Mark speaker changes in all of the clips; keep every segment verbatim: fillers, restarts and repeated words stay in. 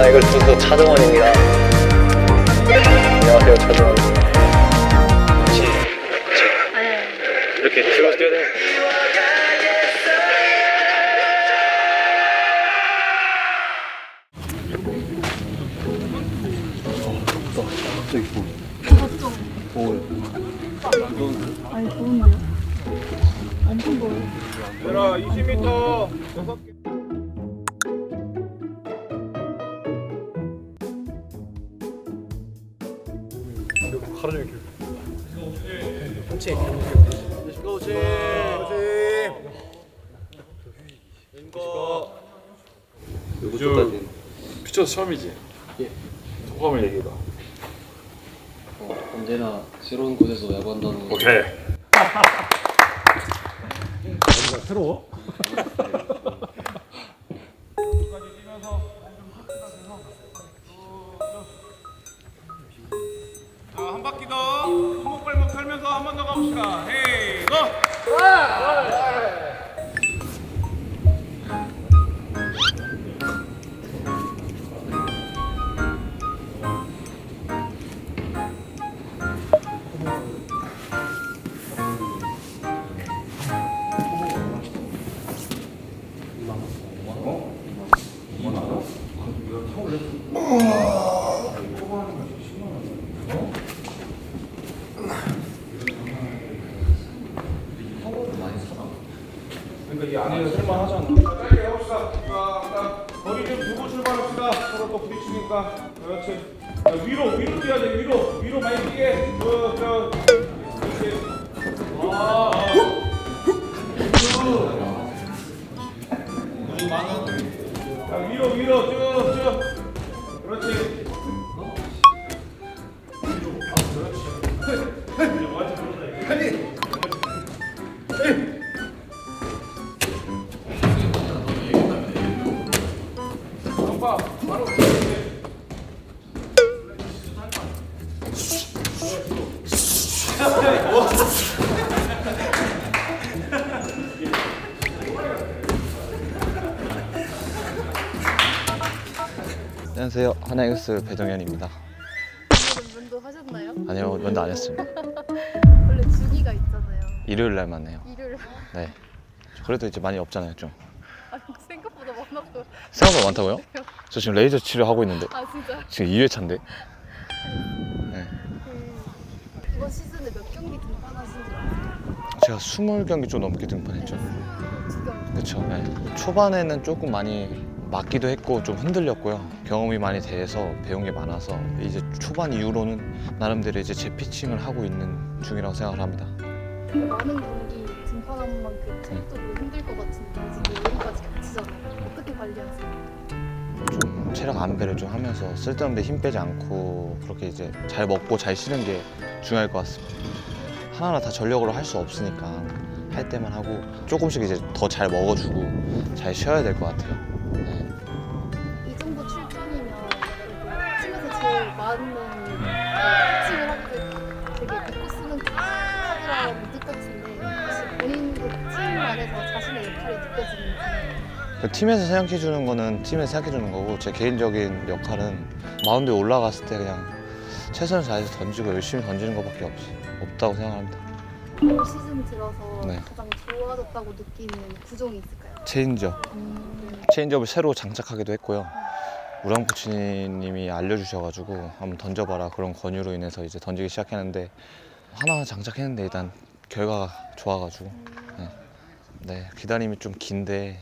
Speaker 1: 아, 이걸 두고 차정원입니다. 안녕하세요, 차정원입니다. 그렇지, 그렇지. 이렇게 들어서 뛰어야 돼.
Speaker 2: 갑자기 뭐? 오.
Speaker 3: 아니 더운데요? 엄청 더워요.
Speaker 4: 얘들아 이십 미터 여섯 개.
Speaker 2: 하루 종일 길.
Speaker 4: 그렇지. 그렇지. 그렇지. 이거
Speaker 2: 요즘 피처 처음이지? 예. 소감을 얘기해봐.
Speaker 5: 어, 언제나 새로운 곳에서 야구한다는 거.
Speaker 2: 오케이.
Speaker 4: 새로워? 자, 한 바퀴 더 손목발목 털면서 한 번 더 가봅시다. 헤이 고! 그러니까 이 안에는 쓸만하잖아. 자, 짧게 해봅시다. 자, 거리 좀 두고 출발합시다. 서로 또 부딪히니까. 그렇지. 자, 위로, 위로 뛰어야 돼. 위로, 위로 많이 뛰게. 저, 저, 그렇지. 아, 자, 위로, 위로, 쭉, 쭉. 그렇지.
Speaker 1: 안녕하세요, 하나이글스 배정현입니다.
Speaker 3: 오늘은 면도 하셨나요?
Speaker 1: 아니요, 면도 안 했습니다.
Speaker 3: 원래 주기가 있잖아요.
Speaker 1: 일요일 날만 해요.
Speaker 3: 일요일.
Speaker 1: 네. 그래도 이제 많이 없잖아요, 좀.
Speaker 3: 아 생각보다 많아서.
Speaker 1: 생각보다 많다고요? 저 지금 레이저 치료하고 있는데
Speaker 3: 아 진짜?
Speaker 1: 지금 이 회차인데. 네.
Speaker 3: 그 이번 시즌에 몇 경기 등판하신 줄 아세요?
Speaker 1: 제가 스무 경기 좀 넘게 등판했죠.
Speaker 3: 두 경기.
Speaker 1: 그렇죠. 네. 초반에는 조금 많이 맞기도 했고 좀 흔들렸고요. 경험이 많이 돼서 배운 게 많아서 이제 초반 이후로는 나름대로 이제 제 피칭을 하고 있는 중이라고 생각을 합니다.
Speaker 3: 많은 경기 등판한 만큼 체력적으로 힘들 것 같은데 지금 여기까지 겹치잖아요. 어떻게 관리하세요?
Speaker 1: 좀 체력 안배를 좀 하면서 쓸데없는 데 힘 빼지 않고 그렇게 이제 잘 먹고 잘 쉬는 게 중요할 것 같습니다. 하나하나 다 전력으로 할 수 없으니까 할 때만 하고 조금씩 이제 더 잘 먹어주고 잘 쉬어야 될 것 같아요. 네.
Speaker 3: 이 정도 출전이면 팀에서 제일 많은 피칭을 하게 되게 믿고 쓰는 카드라는 뜻 같은데 혹시 본인도 팀 안에서 자신의 역할이 느껴지는지.
Speaker 1: 그 팀에서 생각해 주는 거는 팀에서 생각해 주는 거고 제 개인적인 역할은 마운드에 올라갔을 때 그냥 최선을 다해서 던지고 열심히 던지는 것밖에 없, 없다고 생각합니다.
Speaker 3: 올 시즌 들어서
Speaker 1: 네.
Speaker 3: 가장 좋아졌다고 느끼는 구종이 있을까요?
Speaker 1: 체인지업.
Speaker 3: 음,
Speaker 1: 체인지업을 새로 장착하기도 했고요. 우랑 코치님이 알려주셔가지고 한번 던져봐라 그런 권유로 인해서 이제 던지기 시작했는데 하나 장착했는데 일단 결과가 좋아가지고 네, 네 기다림이 좀 긴데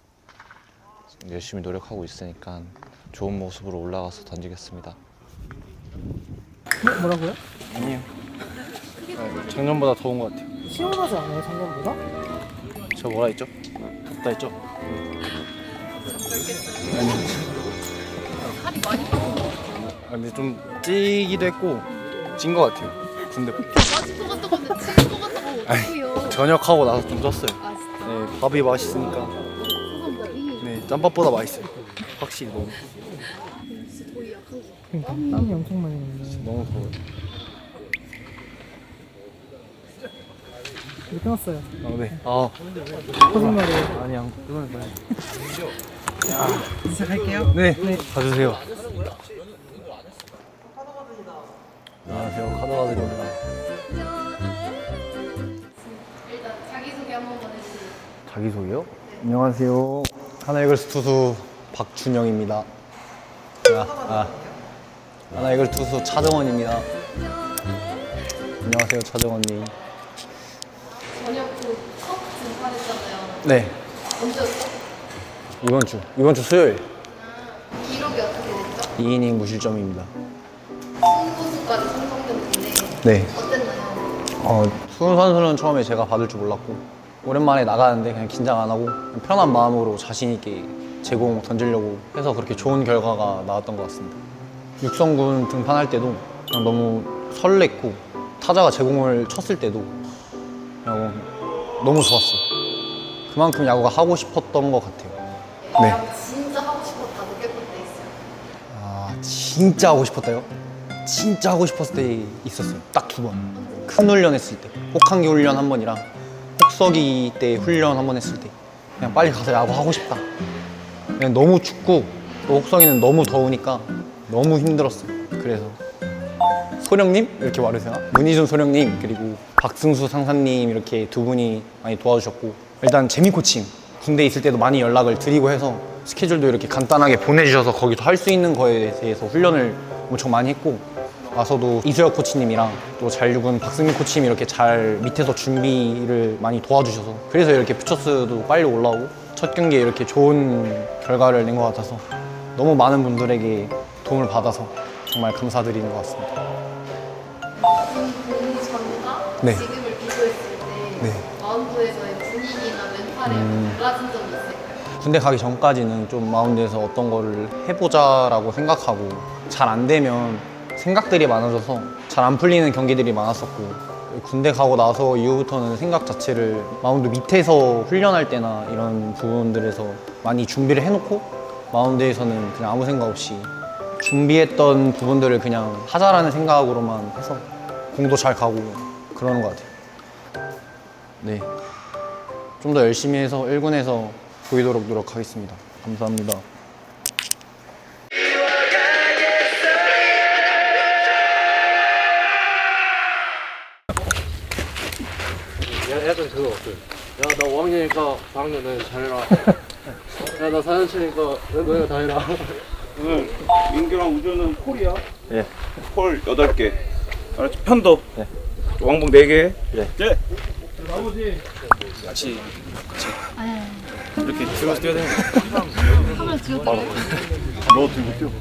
Speaker 1: 열심히 노력하고 있으니까 좋은 모습으로 올라가서 던지겠습니다.
Speaker 6: 뭐라고요?
Speaker 2: 아니요. 작년보다 더운 것 같아요.
Speaker 6: 시원하지 않아요, 작년보다?
Speaker 2: 저 뭐라 했죠? 덥다 했죠?
Speaker 3: 살이 많이 빠진 것 같아요.
Speaker 2: 아, 근데 좀 찌기도 했고 찐 것 같아요. 군대
Speaker 3: 빠진 것 같다고 근데 치는 것 같다고 어떡해요.
Speaker 2: 전역하고 나서 좀 쪘어요.
Speaker 3: 아 진짜?
Speaker 2: 네, 밥이 맛있으니까
Speaker 3: 소금밥이
Speaker 2: 네, 짬밥보다 맛있어요. 확실히 너무
Speaker 3: 진짜 거의 약한 거.
Speaker 6: 그러니까 땀이 엄청 많이 나는데
Speaker 2: 너무 더워요.
Speaker 6: 이거 끊었어요.
Speaker 2: 아, 네. 아,
Speaker 6: 거짓말이에요.
Speaker 2: 아니 안 끊을 거예요.
Speaker 6: 시작할게요.
Speaker 2: 네, 가주세요. 안녕하세요, 카드가드입니다.
Speaker 3: 일단 자기소개 한 번만 해주세요.
Speaker 2: 자기소개요? 안녕하세요. 하나이글스 투수 박준영입니다. 아, 아. 하나이글스 투수 차정원입니다. 안녕하세요, 차정원님.
Speaker 3: 저녁 후첫 등판했잖아요.
Speaker 2: 네,
Speaker 3: 언제였어?
Speaker 2: 이번 주, 이번 주 수요일
Speaker 3: 기록이 어떻게 됐죠?
Speaker 2: 이 이닝 무실점입니다.
Speaker 3: 승부수까지 성공됐는데
Speaker 2: 네.
Speaker 3: 어땠나요?
Speaker 2: 어, 수훈 선수는 처음에 제가 받을 줄 몰랐고 오랜만에 나가는데 그냥 긴장 안 하고 그냥 편한 마음으로 자신 있게 제공 던지려고 해서 그렇게 좋은 결과가 나왔던 것 같습니다. 육성군 등판할 때도 그냥 너무 설렜고 타자가 제공을 쳤을 때도 그냥 너무 좋았어요. 그만큼 야구가 하고 싶었던 것 같아요. 네.
Speaker 3: 야, 진짜 하고 싶었다 느꼈던 때 있어요.
Speaker 2: 아, 진짜 하고 싶었다요? 진짜 하고 싶었을 때 있었어요. 딱 두 번. 큰 훈련 했을 때. 혹한기 훈련 한 번이랑 혹서기 때 훈련 한 번 했을 때. 그냥 빨리 가서 야구 하고 싶다. 그냥 너무 춥고 또 혹서기는 너무 더우니까 너무 힘들었어요. 그래서 소령님 이렇게 말하세요. 문희준 소령님 그리고 박승수 상사님 이렇게 두 분이 많이 도와주셨고 일단 재미 코칭 군대에 있을 때도 많이 연락을 드리고 해서 스케줄도 이렇게 간단하게 보내주셔서 거기서 할 수 있는 거에 대해서 훈련을 엄청 많이 했고 와서도 이수혁 코치님이랑 또 잔류군 박승민 코치님이 이렇게 잘 밑에서 준비를 많이 도와주셔서 그래서 이렇게 퓨처스도 빨리 올라오고 첫 경기에 이렇게 좋은 결과를 낸 것 같아서 너무 많은 분들에게 도움을 받아서 정말 감사드리는 것 같습니다.
Speaker 3: 군 복무 전과
Speaker 2: 네.
Speaker 3: 지금을 비교했을 때
Speaker 2: 네.
Speaker 3: 마운드에서의 분위기나 멘탈이
Speaker 2: 음.
Speaker 3: 달라진 점이 있을까요?
Speaker 2: 군대 가기 전까지는 좀 마운드에서 어떤 거를 해보자라고 생각하고 잘 안 되면 생각들이 많아져서 잘 안 풀리는 경기들이 많았었고 군대 가고 나서 이후부터는 생각 자체를 마운드 밑에서 훈련할 때나 이런 부분들에서 많이 준비를 해놓고 마운드에서는 그냥 아무 생각 없이 준비했던 부분들을 그냥 하자라는 생각으로만 해서 공도 잘 가고 그러는 것 같아요. 네. 좀 더 열심히 해서 일 군에서 보이도록 노력하겠습니다. 감사합니다.
Speaker 5: 약간 그거 어때? 야나 오 학년이니까 사 학년은 잘해라. 야나 사 년 차니까 너희가 다 해라.
Speaker 4: 오늘 민규랑 우주는 콜이야.
Speaker 2: 예.
Speaker 4: 콜 여덟 개. 알았지? 편도.
Speaker 2: 네.
Speaker 4: 왕복 네 개.
Speaker 2: 네.
Speaker 4: 네. 나머지 같이 이렇게 들어서 뛰어야 되는 거야.
Speaker 3: 하면 지웠다.
Speaker 4: 너 들고 뛰어.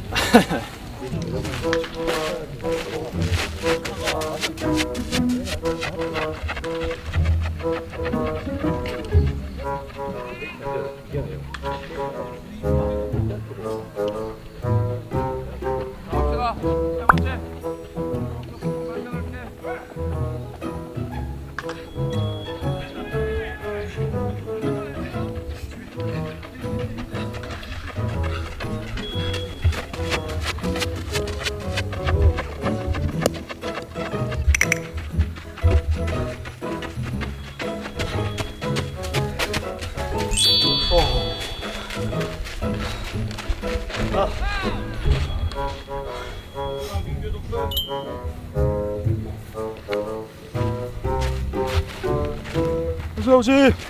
Speaker 7: 수영씨.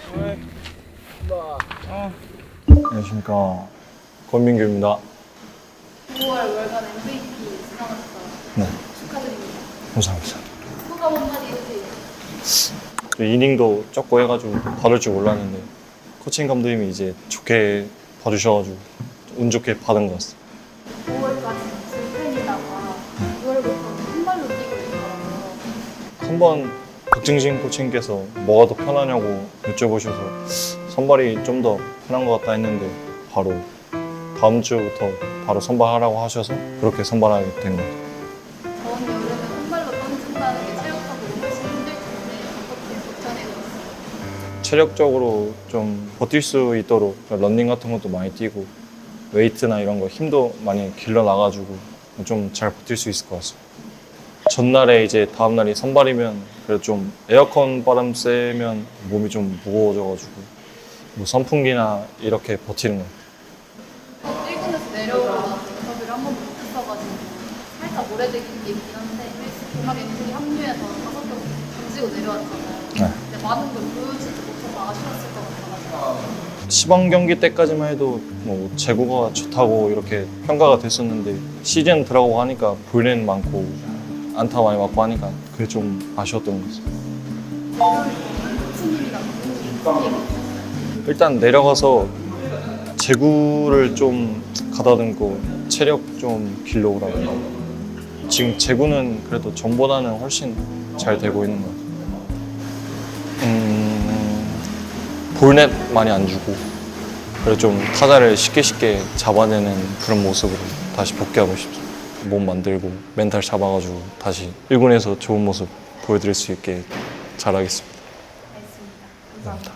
Speaker 7: 안녕하십니까, 권민규입니다.
Speaker 3: 구월 월간 엠브이피 수상하셨다.
Speaker 7: 네,
Speaker 3: 축하드립니다.
Speaker 7: 감사합니다.
Speaker 3: 소감 한마디 해주세요.
Speaker 7: 저 이닝도 적고 해가지고 받을 줄 몰랐는데 코칭 감독님이 이제 좋게 봐주셔가지고 운 좋게 받은 것 같습니다.
Speaker 3: 구월까지 불펜이다가 구월부터 한 발로 뛰고 있더라고요.
Speaker 7: 한번 박증신 코치님께서 뭐가 더 편하냐고 여쭤보셔서 선발이 좀 더 편한 것 같다 했는데 바로 다음 주부터 바로 선발하라고 하셔서 그렇게 선발하게 된 것 같아요.
Speaker 3: 저번 여름에 한 발로 던진다는 게 체력적으로 훨씬 힘들 텐데 어떻게 버텨내셨어요?
Speaker 7: 체력적으로 좀 버틸 수 있도록 런닝 같은 것도 많이 뛰고 웨이트나 이런 거 힘도 많이 길러나가지고 좀 잘 버틸 수 있을 것 같습니다. 전날에 이제 다음날이 선발이면 그래도 좀 에어컨 바람 쐬면 몸이 좀 무거워져가지고 뭐 선풍기나 이렇게 버티는 거.
Speaker 3: 살짝 오래되긴 게임이긴 한데 동학의 둘이 합류해서 다섯 경 던지고 내려왔잖아요.
Speaker 7: 네.
Speaker 3: 근데 많은 걸 보여주지 못해서 아쉬웠을 것 같아가지고
Speaker 7: 시범 경기 때까지만 해도 뭐 제구가 좋다고 이렇게 평가가 됐었는데 시즌 들어가고 하니까 불펜 많고 안타 많이 맞고 하니까 그게 좀 아쉬웠던 것 같아요.
Speaker 3: 코치님이랑 무슨 얘기
Speaker 7: 일단 내려가서 제구를 좀 가다듬고 체력 좀 길러오라고. 지금 제구는 그래도 전보다는 훨씬 잘 되고 있는 것 같아요. 음, 볼넷 많이 안 주고 그리고 좀 타자를 쉽게 쉽게 잡아내는 그런 모습으로 다시 복귀하고 싶습니다. 몸 만들고 멘탈 잡아가지고 다시 일 군에서 좋은 모습 보여드릴 수 있게 잘하겠습니다.
Speaker 3: 알겠습니다. 감사합니다.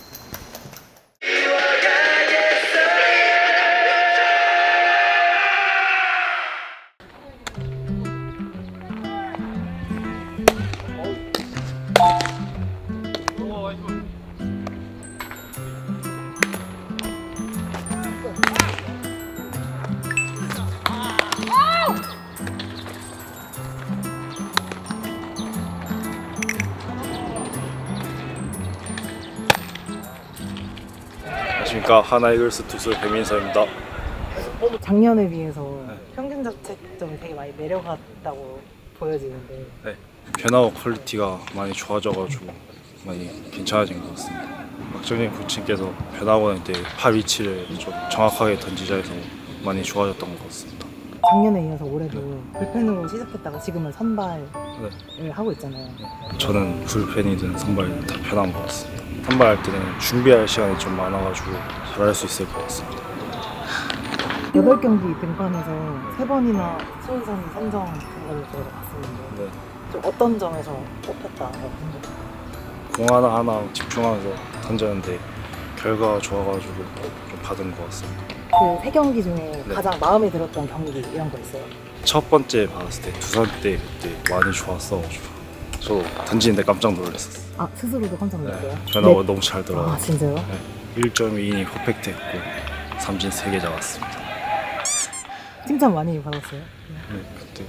Speaker 8: 안녕하십니까. 하나이글스 투수 배민서입니다.
Speaker 6: 작년에 비해서 평균 자책점이 되게 많이 내려갔다고 보여지는데
Speaker 8: 네, 변화와 퀄리티가 많이 좋아져가지고 많이 괜찮아진 것 같습니다. 박정진 코치님께서 변화하고 날 때 팔 위치를 좀 정확하게 던지자 해서 많이 좋아졌던 것 같습니다.
Speaker 6: 작년에 이어서 올해도 불펜으로 시작했다가 지금은 선발을
Speaker 8: 네.
Speaker 6: 하고 있잖아요.
Speaker 8: 저는 불펜이든 선발이든 다 편한 것 같습니다. 선발할 때는 준비할 시간이 좀 많아가지고 잘할 수 있을 것 같습니다.
Speaker 6: 여덟 경기 등판해서 세 번이나 수훈선이 선정된 걸로 저희가 봤었는데
Speaker 8: 네.
Speaker 6: 좀 어떤 점에서 뽑혔다고 생각해요?
Speaker 8: 공 하나하나 집중하면서 던졌는데 결과가 좋아가지고 좀 받은 것 같습니다.
Speaker 6: 그 세 경기 중에
Speaker 8: 네.
Speaker 6: 가장 마음에 들었던 경기 이런 거 있어요?
Speaker 8: 첫 번째 받았을 때 두산 때 그때 많이 좋았어가지고 저도 던지는데 깜짝 놀랐었어요.
Speaker 6: 아 스스로도 깜짝 놀랐어요?
Speaker 8: 네, 변화가
Speaker 6: 네.
Speaker 8: 너무 잘 들어가고
Speaker 6: 아 진짜요?
Speaker 8: 네, 일 점 이 이닝 퍼펙트했고 삼진 세 개 잡았습니다.
Speaker 6: 칭찬 많이 받았어요?
Speaker 8: 네, 그때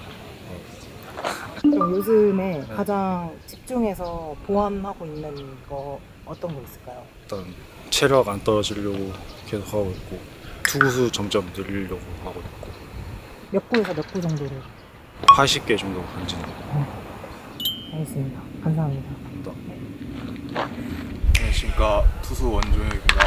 Speaker 6: 그럼 요즘에
Speaker 8: 네.
Speaker 6: 가장 집중해서 보완하고 있는 거 어떤 거 있을까요?
Speaker 8: 일단 체력 안 떨어지려고 계속 하고 있고 투구수 점점 늘리려고 하고 있고
Speaker 6: 몇 구에서 몇 구 정도로?
Speaker 8: 팔십 개 정도 던지는 거.
Speaker 6: 알겠습니다. 감사합니다.
Speaker 9: 안녕하십니까. 투수 원종혁입니다.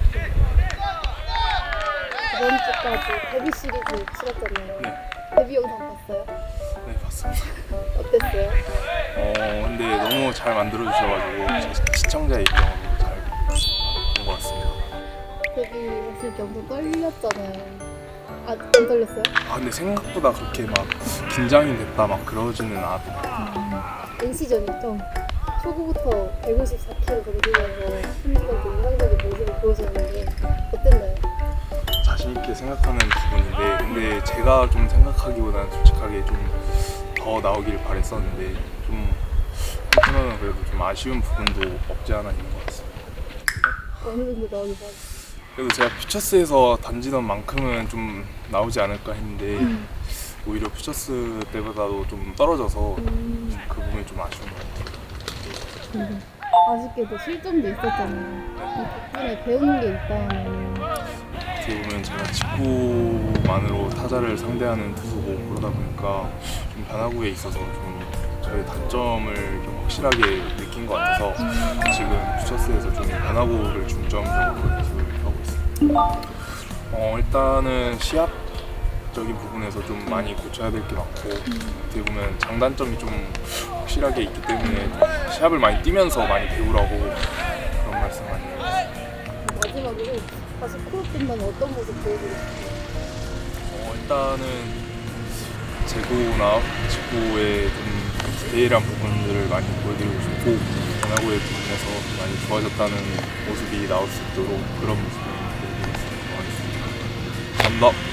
Speaker 3: 이번 주까지 데뷔 시리즈 치렀잖아요.
Speaker 9: 네.
Speaker 3: 데뷔 영상 봤어요?
Speaker 9: 네, 봤습니다.
Speaker 3: 어땠어요?
Speaker 9: 어, 근데 너무 잘 만들어주셔가지고 시- 시청자 입장으로 잘 본 것 같습니다.
Speaker 3: 데뷔 했을 때 엄청 떨렸잖아요. 아, 안 떨렸어요?
Speaker 9: 아, 근데 생각보다 그렇게 막 긴장이 됐다 막 그러지는 않았던
Speaker 3: 엔씨전이 좀 초구부터 백오십사 킬로그램 던지면서 힘들고 인상적인 모습을 보여줬는데 어땠나요?
Speaker 9: 자신 있게 생각하는 부분인데, 근데 제가 좀 생각하기보다는 솔직하게 좀 더 나오길 바랬었는데 좀 한편으로는 그래도 좀 아쉬운 부분도 없지 않아 있는 것 같습니다.
Speaker 3: 어느 정도 나오길 바랬어요.
Speaker 9: 그래도 제가 퓨처스에서 던지던 만큼은 좀 나오지 않을까 했는데 오히려 퓨처스 때보다도 좀 떨어져서
Speaker 3: 음,
Speaker 9: 그 부분이 좀 아쉬운 것 같아요.
Speaker 3: 아쉽게도 실점도 있었잖아요. 이 덕분에 배우는 게 있다는.
Speaker 9: 어떻게 보면 제가 직구만으로 타자를 상대하는 투수고 그러다 보니까 좀 변화구에 있어서 좀 저의 단점을 좀 확실하게 느낀 것 같아서 지금 퓨처스에서 좀 변화구를 중점적으로 연습을 하고 있습니다. 어, 일단은 시합적인 부분에서 좀 많이 고쳐야 될 게 많고 어떻게 보면 장단점이 좀 확실하게 있기 때문에 시합을 많이 뛰면서 많이 배우라고 그런 말씀 많이 해요.
Speaker 3: 마지막으로 다시 코어팀만 어떤 모습 보여주고 싶어요?
Speaker 9: 어, 일단은 제구나 직구의 좀 디테일한 부분들을 많이 보여드리고 싶고 변화구의 부분에서 많이 좋아졌다는 모습이 나올 수 있도록 그런 모습을 보여드리겠습니다. 감사합니다.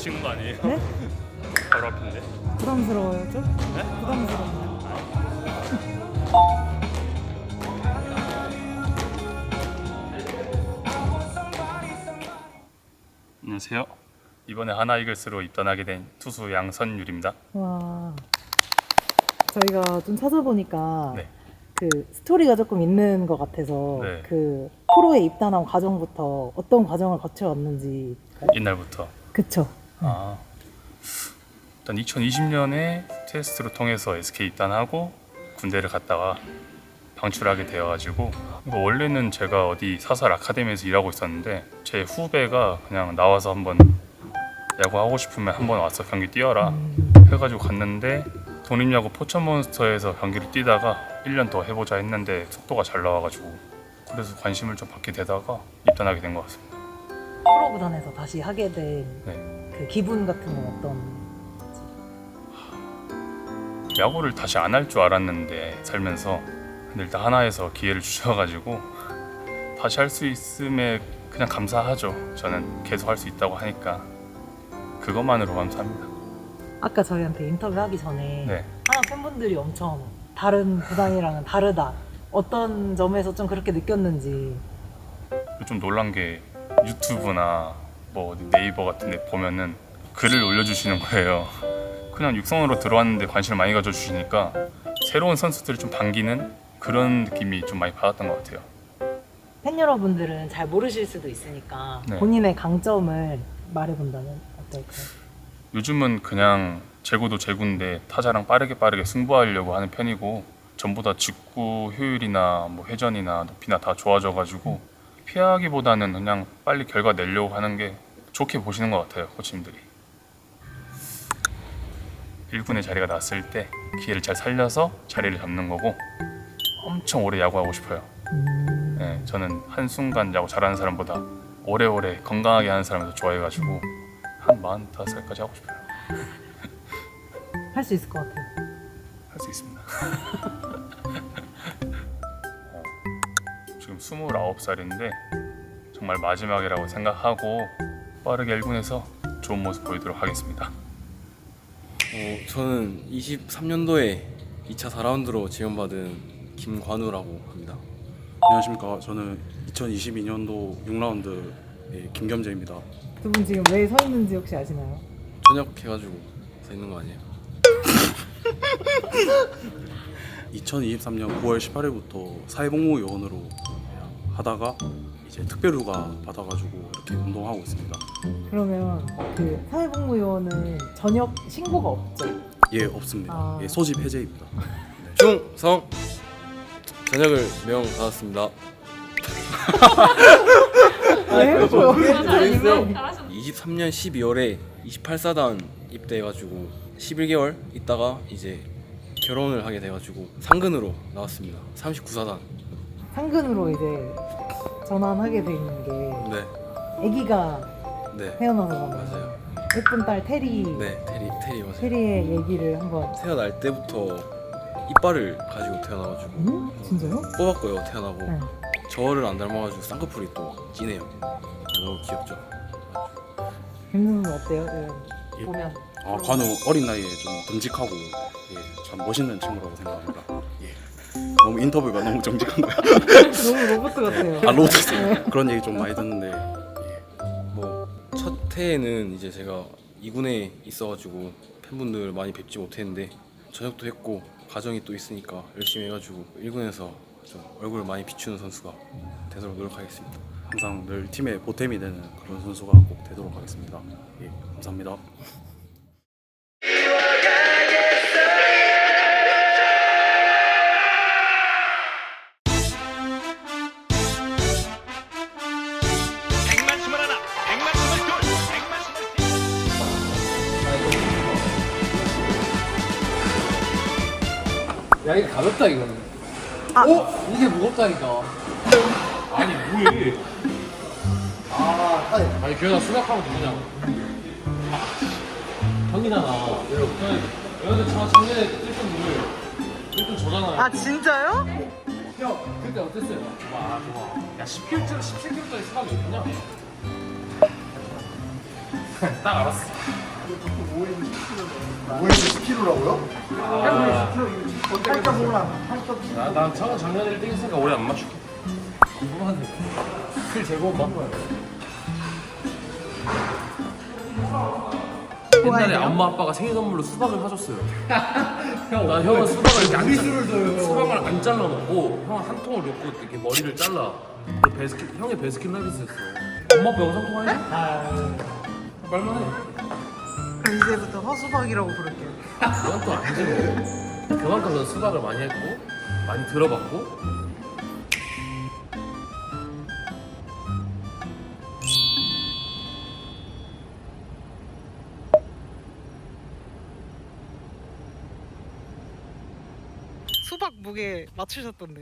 Speaker 10: 찍는 거 아니에요?
Speaker 6: 네?
Speaker 10: 바로 앞인데.
Speaker 6: 부담스러워요 좀?
Speaker 10: 네?
Speaker 6: 부담스러워요.
Speaker 10: 안녕하세요. 이번에 하나 이글스로 입단하게 된 투수 양선율입니다.
Speaker 6: 와, 저희가 좀 찾아보니까
Speaker 10: 네.
Speaker 6: 그 스토리가 조금 있는 것 같아서
Speaker 10: 네.
Speaker 6: 그 프로에 입단한 과정부터 어떤 과정을 거쳐왔는지.
Speaker 10: 옛날부터.
Speaker 6: 그쵸?
Speaker 10: 아, 일단 이천이십 년에 테스트를 통해서 에스케이 입단하고 군대를 갔다가 방출하게 되어가지고 이거 원래는 제가 어디 사설 아카데미에서 일하고 있었는데 제 후배가 그냥 나와서 한번 야구 하고 싶으면 한번 와서 경기 뛰어라 해가지고 갔는데 독립야구 포천몬스터에서 경기를 뛰다가 일 년 더 해보자 했는데 속도가 잘 나와가지고 그래서 관심을 좀 받게 되다가 입단하게 된 것 같습니다.
Speaker 6: 프로 구단에서 다시 하게 된 그
Speaker 10: 네.
Speaker 6: 기분 같은 건 어떤?
Speaker 10: 야구를 다시 안 할 줄 알았는데 살면서 근데 일단 하나에서 기회를 주셔가지고 다시 할 수 있음에 그냥 감사하죠. 저는 계속 할 수 있다고 하니까 그것만으로 감사합니다.
Speaker 6: 아까 저희한테 인터뷰하기 전에
Speaker 10: 네.
Speaker 6: 하나 팬분들이 엄청 다른 구단이랑은 다르다, 어떤 점에서 좀 그렇게 느꼈는지.
Speaker 10: 좀 놀란 게 유튜브나 뭐 어디 네이버 같은 데 보면은 글을 올려주시는 거예요. 그냥 육성으로 들어왔는데 관심을 많이 가져주시니까 새로운 선수들을 좀 반기는 그런 느낌이 좀 많이 받았던 것 같아요.
Speaker 6: 팬 여러분들은 잘 모르실 수도 있으니까
Speaker 10: 네.
Speaker 6: 본인의 강점을 말해본다면 어떨까요?
Speaker 10: 요즘은 그냥 제구도 제구인데 타자랑 빠르게 빠르게 승부하려고 하는 편이고 전부 다 직구 효율이나 뭐 회전이나 높이나 다 좋아져가지고 피하기보다는 그냥 빨리 결과 내려고 하는 게 좋게 보시는 것 같아요, 코치님들이. 일 군의 자리가 났을 때 기회를 잘 살려서 자리를 잡는 거고 엄청 오래 야구하고 싶어요. 네, 저는 한순간 야구 잘하는 사람보다 오래오래 건강하게 하는 사람을 더 좋아해가지고 한 마흔다섯 살까지 하고 싶어요.
Speaker 6: 할 수 있을 것 같아요.
Speaker 10: 할 수 있습니다. 어, 지금 스물아홉 살인데 정말 마지막이라고 생각하고 빠르게 일 군에서 좋은 모습 보이도록 하겠습니다.
Speaker 11: 어, 저는 이십삼 년도에 이 차 사 라운드로 지원받은 김관우라고 합니다.
Speaker 12: 안녕하십니까. 저는 이천이십이 년도 육 라운드의 김겸재입니다.
Speaker 6: 두 분 지금 왜 서 있는지 혹시 아시나요?
Speaker 11: 전역해가지고 서 있는 거 아니에요?
Speaker 12: 이천이십삼 년 구월 십팔일부터 사회복무 요원으로 하다가 이제 특별휴가 받아가지고 이렇게 운동하고 있습니다.
Speaker 6: 그러면 그 사회복무요원은 전역 신고가 없죠?
Speaker 12: 예, 없습니다.
Speaker 6: 아.
Speaker 12: 예, 소집 해제입니다.
Speaker 11: 충성! 전역을 명받았습니다.
Speaker 6: 왜요?
Speaker 11: 이십삼 년 십이월에 이십팔 사단 입대해가지고 십일 개월 있다가 이제 결혼을 하게 돼가지고 상근으로 나왔습니다. 삼십구 사단.
Speaker 6: 상근으로 이제 전환하게 된 게
Speaker 11: 네,
Speaker 6: 아기가
Speaker 11: 네,
Speaker 6: 태어나서
Speaker 11: 맞아요.
Speaker 6: 예쁜 딸 테리.
Speaker 11: 네, 테리, 테리 맞아요.
Speaker 6: 테리의 얘기를 한번.
Speaker 11: 태어날 때부터 이빨을 가지고 태어나가지고
Speaker 6: 음? 진짜요?
Speaker 11: 뽑았고요. 태어나고
Speaker 6: 네.
Speaker 11: 저를 안 닮아가지고 쌍꺼풀이 또 진해요. 너무 귀엽죠.
Speaker 6: 김선수는 어때요? 네.
Speaker 12: 예.
Speaker 6: 보면.
Speaker 12: 아, 관우 어린 나이에 좀 듬직하고 예, 참 멋있는 친구라고 생각합니다. 예. 너무 인터뷰가 너무 정직한가요?
Speaker 6: 너무 로봇 같아요.
Speaker 12: 아, 로봇 그런 얘기 좀 많이 듣는데 예.
Speaker 11: 뭐 첫 해에는 이제 제가 이 군에 있어가지고 팬분들 많이 뵙지 못했는데 전역도 했고 가정이 또 있으니까 열심히 해가지고 일 군에서 좀 얼굴을 많이 비추는 선수가 되도록 노력하겠습니다.
Speaker 12: 항상 늘 팀의 보탬이 되는 그런 선수가 꼭 되도록 하겠습니다. 예, 감사합니다.
Speaker 5: 야 이거 가볍다 이거는. 어? 이게 무겁다니까. 아니 뭐해? 아, 아니 규현아 수락하면 되냐고. 형이잖아. 여러분, 여러분 저 작년에 일 등 물 일 등 저잖아요.
Speaker 6: 아 진짜요?
Speaker 5: 형 그때 어땠어요? 좋아 좋아. 야 십 킬로짜리 십칠 킬로짜리 수박이 있냐? 딱 알았어.
Speaker 13: 오에스 십 킬로라고요?
Speaker 5: 나, 난 작- 작년에 일 등 했으니까 올해 안 맞출게. 궁금하네. 킬 제법 바꿔야 돼. 옛날에 엄마 아빠가 생일 선물로 수박을 사줬어요. 형, 나 형은 수박을 이렇게 안 잘- 수박을 안 잘라 먹고 형 한 통을 넣고 이렇게 머리를 잘라. 그리고 베스킨 형이 베스킨 라빈스였어. 엄마 아빠 영상 통화해? 아, 말만해.
Speaker 6: 그럼 이제부터 허수박이라고 부를게요.
Speaker 5: 그건 또 아니지 뭐. 그만큼 넌 수박을 많이 했고 많이 들어봤고.
Speaker 6: 수박 무게 맞추셨던데.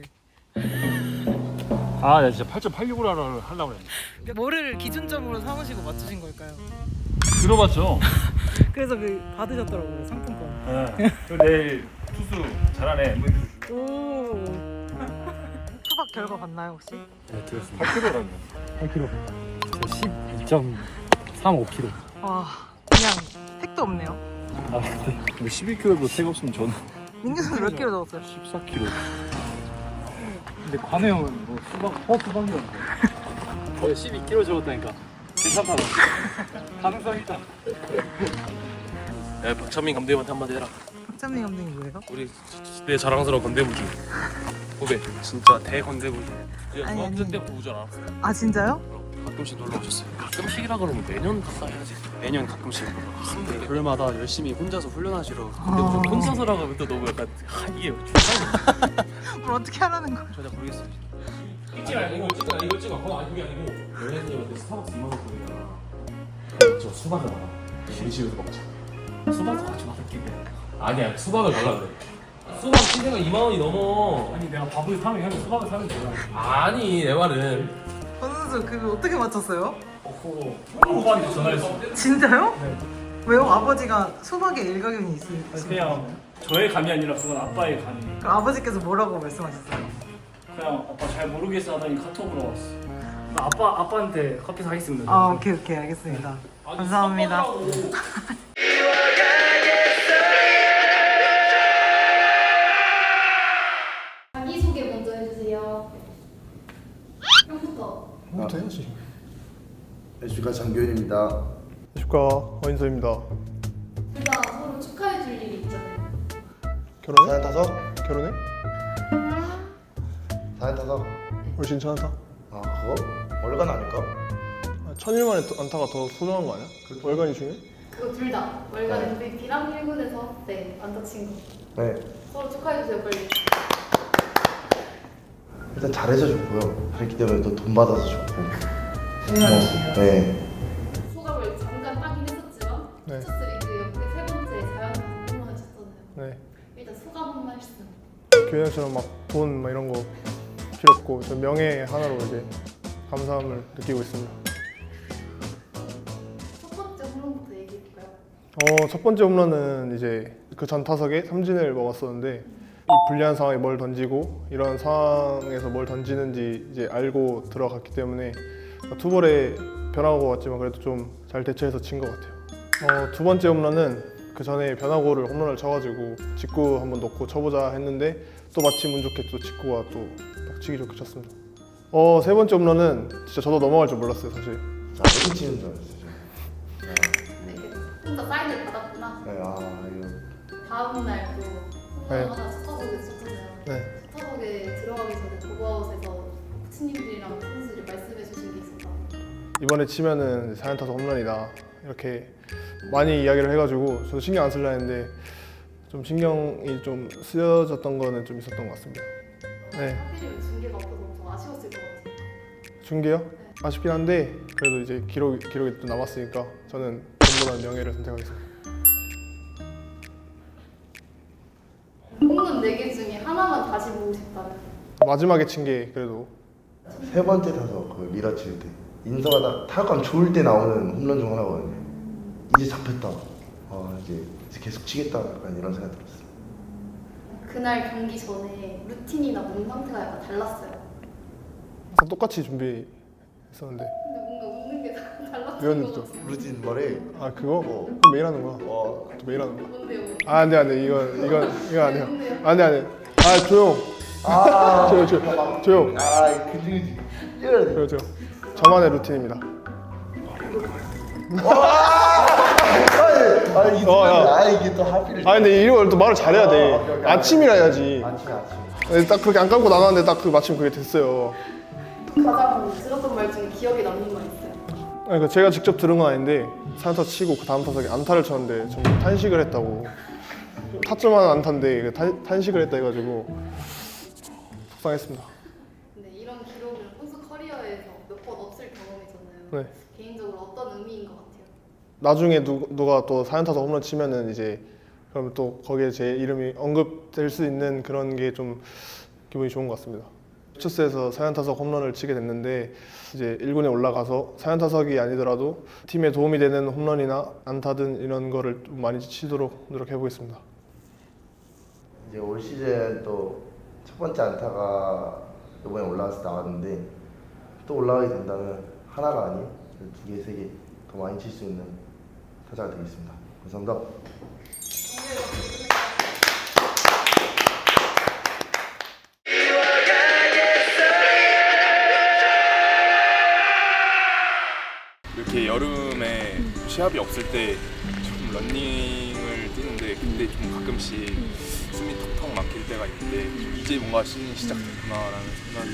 Speaker 14: 아, 나 진짜 팔 점 팔육으로 하려고 그랬는데.
Speaker 6: 뭐를 기준점으로 삼으시고 맞추신 걸까요?
Speaker 14: 들어봤죠?
Speaker 6: 그래서 그 받으셨더라고요, 상품권.
Speaker 14: 네. 그리고 내일 투수 잘하네. 엠브이피 주시고.
Speaker 6: 오. 수박 결과 봤나요 혹시?
Speaker 14: 네, 들었습니다. 팔 킬로라며. 팔 킬로. 저 십이 점 삼오 킬로.
Speaker 6: 와, 그냥 택도 없네요.
Speaker 14: 아, 근데 뭐 십일 킬로도 택 없으면 저는
Speaker 6: 민규 선수 몇 킬로 적었어요?
Speaker 14: 십사 킬로. 근데 관우 형은 뭐 수박, 허 수박이었는데. 거의 십이 킬로 적었다니까. 괜찮다고. 가능성 있다.
Speaker 5: 야, 박찬민 감독님한테 한마디 해라.
Speaker 6: 박찬민 감독님 뭐예요?
Speaker 5: 우리 내 자랑스러운 건대부주 후배 진짜 대건대부주.
Speaker 6: 아니,
Speaker 5: 중학생
Speaker 6: 아니.
Speaker 5: 때 보우잖아.
Speaker 6: 아 진짜요?
Speaker 5: 가끔씩 놀러 오셨어요. 가끔씩이라 그러면 매년 가까이야지. 매년 가끔씩. 그럴마다 열심히 혼자서 훈련하시러. 근데
Speaker 6: 아.
Speaker 5: 무슨 혼자서라고 하면 또 너무 약간 아, 이게 중요한
Speaker 6: 뭘 어떻게 하라는 거야?
Speaker 5: 전혀 모르겠어요. 찍지 말고 이거 찍어. 이거 찍어. 그거 아니 그게 아니고 연예인님한테 스타벅스 이만 원 보내잖아. 저 수박을 먹어. 우리 집에서 먹자. 수박도 같이 먹을게. 아니야 수박을 달라 그래. 수박 신세가 이만 원이 넘어.
Speaker 14: 아니 내가 밥을 사면 형이 수박을 사면 되잖아.
Speaker 5: 아니 내 말은.
Speaker 6: 권 선수 그거 어떻게 맞췄어요?
Speaker 14: 어, 아빠한테 전화했어.
Speaker 6: 진짜요?
Speaker 14: 네.
Speaker 6: 왜요? 아버지가 수박에 일가견이 있으시죠?
Speaker 14: 그냥 저의 감이 아니라 그건 아빠의 감이.
Speaker 6: 그럼 아버지께서 뭐라고 말씀하셨어요?
Speaker 14: 그냥 아빠 잘 모르겠어 하더니 카톡으로 왔어. 나 아빠 아빠한테 커피 사겠습니다.
Speaker 6: 아 오케이 오케이 알겠습니다. 감사합니다.
Speaker 3: 자기소개 먼저 해주세요. 형부터.
Speaker 13: 부터 해야지. 안녕하십니까, 장교현입니다.
Speaker 15: 안녕하십니까, 허인서입니다.
Speaker 3: 둘 다 서로 축하해줄 일이 있잖아요.
Speaker 15: 결혼해?
Speaker 13: 사연 타석?
Speaker 15: 결혼해?
Speaker 13: 사연 타석?
Speaker 15: 훨씬 천안타?
Speaker 13: 아, 그거? 월간 아닐까?
Speaker 15: 아, 천일 만에 안타가 더 소중한 거 아니야? 월간이 중요해?
Speaker 3: 그거 둘 다 월간 엠브이피랑 일 군에서 네 안타 친 거.
Speaker 13: 네.
Speaker 3: 서로 축하해주세요 빨리.
Speaker 13: 일단 잘해서 좋고요. 그렇기 때문에 또 돈 받아서 좋고.
Speaker 6: 고마워요.
Speaker 13: 네.
Speaker 3: 소감을 잠깐 하긴 했었지만
Speaker 15: 네.
Speaker 3: 스포츠 리그 역대 세 번째 자연스럽게 홈런을 쳤잖아요.
Speaker 15: 네.
Speaker 3: 일단 소감 한 말씀.
Speaker 15: 교현이처럼 막 돈 막 이런 거 필요 없고 저 명예 하나로 이제 감사함을 느끼고 있습니다.
Speaker 3: 첫 번째 홈런부터 얘기해볼까요?
Speaker 15: 어, 첫 번째 홈런은 이제 그 전 타석에 삼진을 먹었었는데 이 불리한 상황에 뭘 던지고 이런 상황에서 뭘 던지는지 이제 알고 들어갔기 때문에 투볼에 변화구가 왔지만 그래도 좀 잘 대처해서 친 것 같아요. 어, 두 번째 홈런은 그 전에 변화구를 홈런을 쳐가지고 직구 한번 넣고 쳐보자 했는데 또 마침 운 좋게 또 직구가 또 딱 치기 좋게 쳤습니다. 어, 세 번째 홈런은 진짜 저도 넘어갈 줄 몰랐어요 사실.
Speaker 13: 아, 어디 치는 줄 알았어요.
Speaker 3: 네, 그 혼자 사인을 받았구나.
Speaker 13: 네, 아, 이거.
Speaker 3: 다음 날또
Speaker 15: 네.
Speaker 3: 홈런 하나 첫 타석에 쳤잖아요.
Speaker 15: 네.
Speaker 3: 첫 타석에 들어가기 전에 도그아웃에서 코치님들이랑 선수들이 말씀해 주신 게 있었다.
Speaker 15: 이번에 치면은 사연 타석 홈런이다 이렇게 많이 이야기를 해가지고 저도 신경 안 쓰려 했는데 좀 신경이 좀 쓰여졌던 거는 좀 있었던 것 같습니다. 네.
Speaker 3: 하필이면 중계가 없어서 좀 아쉬웠을 것 같아요.
Speaker 15: 중계요? 아쉽긴 한데 그래도 이제 기록, 기록이 또 남았으니까 저는 돈보다는 명예를 선택하겠습니다.
Speaker 3: 홈런 네 개 중에 하나만 다시 보고 싶다면?
Speaker 15: 마지막에 친 게 그래도
Speaker 13: 세 번째 타석, 그 밀어칠 때. 인서가 나 타격감 좋을 때 나오는 홈런 중 하나거든요. 이제 잡혔다. 아, 이제, 이제 계속 치겠다. 약간 이런 생각 들었어요.
Speaker 3: 그날 경기 전에 루틴이나 몸 상태가 약간 달랐어요.
Speaker 15: 항상 똑같이 준비했었는데
Speaker 3: 근데 뭔가 웃는 게 달랐어요.
Speaker 15: 외웠는데
Speaker 13: 루틴 말해.
Speaker 15: 아 그거?
Speaker 13: 어.
Speaker 15: 그거 매일 하는 거야.
Speaker 13: 어.
Speaker 15: 또 매일 하는 거야.
Speaker 3: 뭔데요?
Speaker 15: 아 안돼 안돼 이건 이건 이건 안 돼요. 안돼 안돼. 아 조용.
Speaker 13: 아.
Speaker 15: 조용 조용 조용.
Speaker 13: 아 그지 그지.
Speaker 15: 조용 조용. 저만의 루틴입니다.
Speaker 13: 아 이게
Speaker 15: 어, 야.
Speaker 13: 아 이게 또 하필.
Speaker 15: 아 근데 이걸 또 말을 잘해야 돼.
Speaker 13: 어, 오케이, 오케이.
Speaker 15: 아침이라 해야지.
Speaker 13: 아침 아침.
Speaker 15: 네, 딱 그렇게 안 감고 나가는데 딱 그 마침 그게 됐어요.
Speaker 3: 가장 들었던 말 중에 기억에 남는 말 있어요?
Speaker 15: 그러니까 제가 직접 들은 건 아닌데 사연타 치고 그 다음 타석에 안타를 쳤는데 좀 탄식을 했다고. 타점하는 안타인데 그 탄, 탄식을 했다 해가지고 속상했습니다.
Speaker 3: 근데 이런 기록은 선수 커리어에서 몇 번 없을 경험이잖아요.
Speaker 15: 네.
Speaker 3: 개인적으로 어떤 의미인 것 같아요?
Speaker 15: 나중에 누, 누가 또 사연타석 홈런 치면은 이제 그럼 또 거기에 제 이름이 언급될 수 있는 그런 게 좀 기분이 좋은 것 같습니다. 퓨처스에서 사연타석 홈런을 치게 됐는데 이제 일 군에 올라가서 사연타석이 아니더라도 팀에 도움이 되는 홈런이나 안타든 이런 거를 좀 많이 치도록 노력해 보겠습니다.
Speaker 13: 이제 올 시즌 또 첫 번째 안타가 이번에 올라가서 나왔는데 또 올라가게 된다면 하나가 아닌 두 개, 세 개 더 많이 칠 수 있는 타자가 되겠습니다. 감사합니다.
Speaker 9: 이렇게 여름에 시합이 없을 때 좀 러닝을 뛰는데 근데 좀 가끔씩 숨이 턱턱 막힐 때가 있는데 좀 이제 뭔가 시즌이 시작됐구나라는 생각이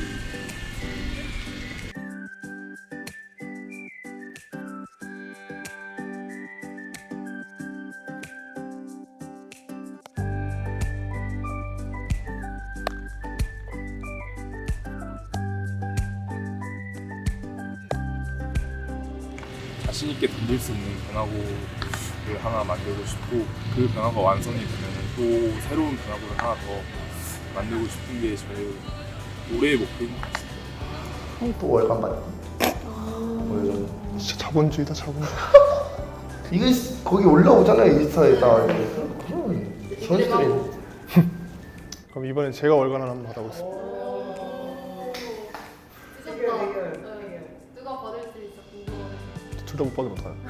Speaker 9: 자신 있게 던질 수 있는 변화구를 하나 만들고 싶고 그 변화가 완성이 되면 또 새로운 변화구를 하나 더 만들고 싶은 게 저의 올해의 목표인 것 같습니다.
Speaker 13: 또 월간 받기. 보여줘.
Speaker 15: 진짜 자본주의다 자본주의.
Speaker 13: 이거 거기 올라오잖아요 인스타에다. 그럼 선수들이.
Speaker 15: 그럼 이번엔 제가 월간 하나 한번 받아보겠습니다.
Speaker 3: 드셨다. 네. 누가 받을 수 있어 궁금하네.
Speaker 15: 둘 다 못 받으면 어떡하나.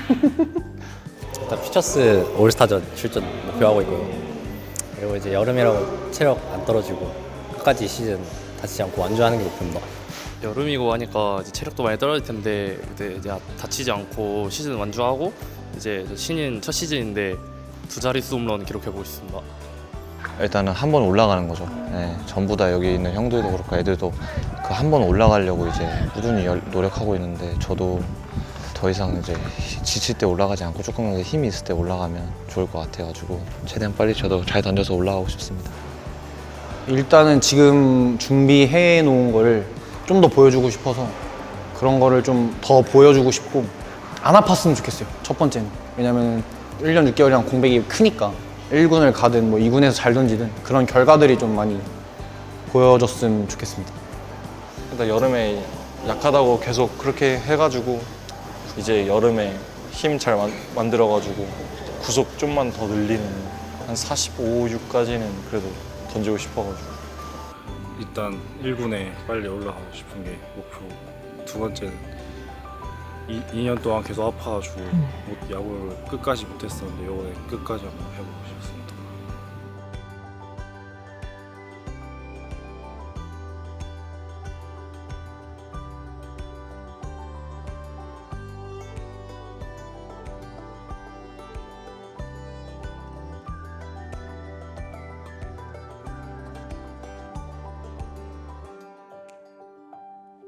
Speaker 16: 일단 퓨처스 올스타전 출전 목표하고 있고요. 그리고 이제 여름이라고 체력 안 떨어지고 끝까지 시즌 다치지 않고 완주하는 게 목표입니다.
Speaker 17: 여름이고 하니까 이제 체력도 많이 떨어질 텐데 그때 이제 다치지 않고 시즌 완주하고 이제 신인 첫 시즌인데 두 자릿수 홈런 기록해보고 싶습니다.
Speaker 1: 일단은 한 번 올라가는 거죠. 네, 전부 다 여기 있는 형들도 그렇고 애들도 그 한 번 올라가려고 이제 꾸준히 열, 노력하고 있는데 저도 더 이상 이제 지칠 때 올라가지 않고 조금만 더 힘이 있을 때 올라가면 좋을 것 같아가지고 최대한 빨리 저도 잘 던져서 올라가고 싶습니다.
Speaker 2: 일단은 지금 준비해 놓은 거를 좀 더 보여주고 싶어서 그런 거를 좀 더 보여주고 싶고 안 아팠으면 좋겠어요. 첫 번째는. 왜냐면 일 년 육 개월이랑 공백이 크니까 일 군을 가든 뭐 이 군에서 잘 던지든 그런 결과들이 좀 많이 보여줬으면 좋겠습니다.
Speaker 7: 일단 여름에 약하다고 계속 그렇게 해가지고 이제 여름에 힘 잘 만들어가지고 구속 좀만 더 늘리는 한 사십오, 육까지는 그래도 던지고 싶어가지고
Speaker 8: 일단 일 군에 빨리 올라가고 싶은 게 목표고 두 번째는 이, 이 년 동안 계속 아파가지고 못, 야구를 끝까지 못했었는데 이번에 끝까지 한번 해보고 싶습니다.